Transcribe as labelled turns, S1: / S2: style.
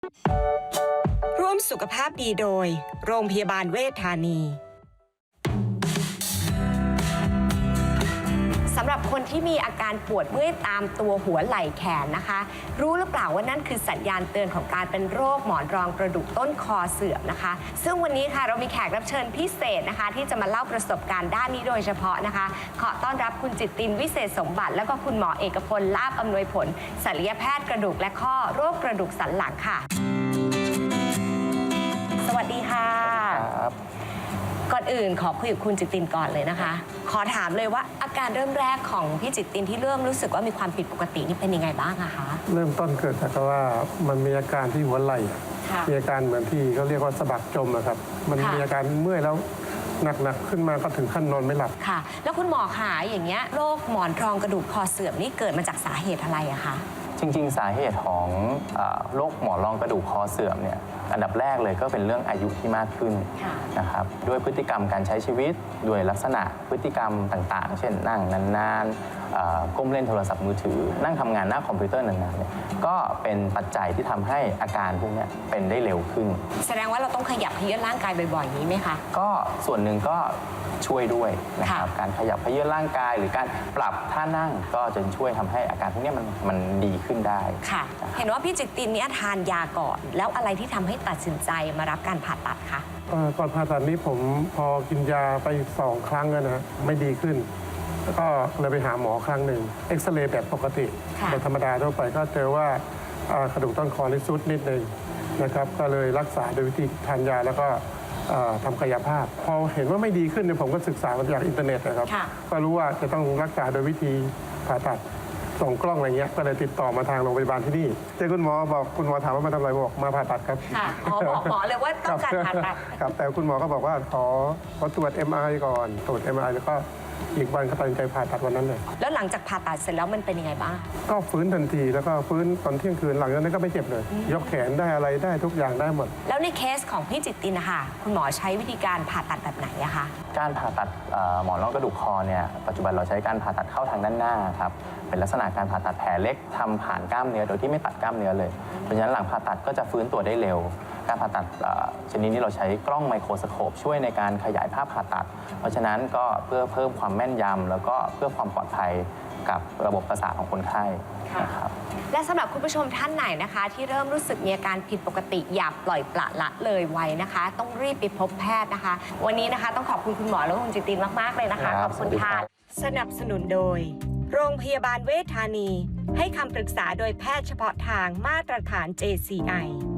S1: ร่วมสุขภาพดีโดยโรงพยาบาลเวชธานีสำหรับคนที่มีอาการปวดเมื่อยตามตัวหัวไหล่แขนนะคะรู้หรือเปล่าว่านั่นคือสัญญาณเตือนของการเป็นโรคหมอนรองกระดูกต้นคอเสื่อมนะคะซึ่งวันนี้ค่ะเรามีแขกรับเชิญพิเศษนะคะที่จะมาเล่าประสบการณ์ด้านนี้โดยเฉพาะนะคะขอต้อนรับคุณจิตตินวิเศษสมบัติแล้วก็คุณหมอเอกพลลาภอำนวยผลศัลยแพทย์กระดูกและข้อโรคกระดูกสันหลังค่ะสวัสดีค่ะก่อนอื่นขอคุยกับคุณจิตตินก่อนเลยนะคะขอถามเลยว่าอาการเริ่มแรกของพี่จิตตินที่เริ่มรู้สึกว่ามีความผิดปกตินี่เป็นยังไงบ้างอะคะ
S2: เริ่มต้นเกิดจากว่ามันมีอาการที่หัวไหล่มีอาการเหมือนที่เขาเรียกว่าสะบักจมอะครับมันมีอาการเมื่อยแล้วหนักๆขึ้นมาก็ถึงขั้นนอนไม่หลับ
S1: ค่ะแล้วคุณหมอขาอย่างเงี้ยโรคหมอนรองกระดูกคอเสื่อมนี่เกิดมาจากสาเหตุอะไรอะคะ
S3: จริงๆสาเหตุของโรคหมอนรองกระดูกคอเสื่อมเนี่ยอันดับแรกเลยก็เป็นเรื่องอายุที่มากขึ้นนะครับด้วยพฤติกรรมการใช้ชีวิตด้วยลักษณะพฤติกรรมต่างๆเช่นนั่งนานๆก้มเล่นโทรศัพท์มือถือนั่งทำงานหน้าคอมพิวเตอร์นานๆเนี่ยก็เป็นปัจจัยที่ทำให้อาการพวกนี้เป็นได้เร็วขึ้น
S1: แสดงว่าเราต้องขยับเขยื้อนร่างกายบ่อยๆนี้ไหมคะ
S3: ก็ส่วนหนึ่งก็ช่วยด้วยนะครับการขยับเขยื้อนร่างกายหรือการปรับท่านั่งก็จะช่วยทำให้อาการพวกนี้มันดีขึ้นได้
S1: ค่ะเห็นว่าพี่จิตตินเนี่ยทานยาก่อนแล้วอะไรที่ทำให้ตัดสินใจมารับการผ่าตัดคะ
S2: ก่อนผ่าตัดนี้ผมพอกินยาไป2 ครั้งนะไม่ดีขึ้นแล้วก็เลยไปหาหมอครั้งหนึ่งเอ็กซเรย์แบบปกติแบบธรรมดาทั่วไปก็เจอว่ากระดูกต้นคอนี่ซุดนิดนึงนะครับก็เลยรักษาโดยวิธีทานยาแล้วก็ทำกายภาพพอเห็นว่าไม่ดีขึ้นเนี่ยผมก็ศึกษามาจากอินเทอร์เน็ตนะครับก็รู้ว่าจะต้องรักษาโดยวิธีผ่าตัดส่องกล้องอะไรเงี้ยก็เลยติดต่อมาทางโรงพยาบาลที่นี่เจอคุณหมอบอกคุณหมอถามว่ามาทำอะไรบอกมาผ่าตัดครับ
S1: ค่ะบอกหมอเลยว่าต้องการผ่าตัด
S2: ครับแต่คุณหมอก็บอกว่าขอตรวจ MRI ก่อนตรวจ MRI แล้วก็อีกวันก็ตัดสินใจผ่าตัดวันนั้นเลย
S1: แล้วหลังจากผ่าตัดเสร็จแล้วมันเป็นยังไงบ้าง
S2: ก็ฟื้นทันทีแล้วก็ฟื้นตอนเที่ยงคืนหลังจากนั้นก็ไม่เจ็บเลยยกแขนได้อะไรได้ทุกอย่างได้หมด
S1: แล้วในเคสของพี่จิตตินนะคะคุณหมอใช้วิธีการผ่าตัดแบบไหนอะคะ
S3: การผ่าตัดหมอนรองกระดูกคอเนี่ยปัจจุบันเราใช้การผ่าตัดเข้าทางด้านหน้าครับเป็นลักษณะการผ่าตัดแผลเล็กทำผ่านกล้ามเนื้อโดยที่ไม่ตัดกล้ามเนื้อเลยเพราะฉะนั้นหลังผ่าตัดก็จะฟื้นตัวได้เร็วการผ่าตัดชนิดนี้เราใช้กล้องไมโครสโคปช่วยในการขยายภาพผ่าตัดเพราะฉะนั้นก็เพื่อเพิ่มความแม่นยำแล้วก็เพื่อความปลอดภัยกับระบบประสาทของคนไข้นะครับ
S1: และสำหรับคุณผู้ชมท่านไหนนะคะที่เริ่มรู้สึกมีอาการผิดปกติอย่าปล่อยปละละเลยไว้นะคะต้องรีบไปพบแพทย์นะคะวันนี้นะคะต้องขอบคุณคุณหมอและคุณจิตตินมากๆเลยนะคะขอบคุณค่ะสนับสนุนโดยโรงพยาบาลเวชธานีให้คำปรึกษาโดยแพทย์เฉพาะทางมาตรฐาน JCI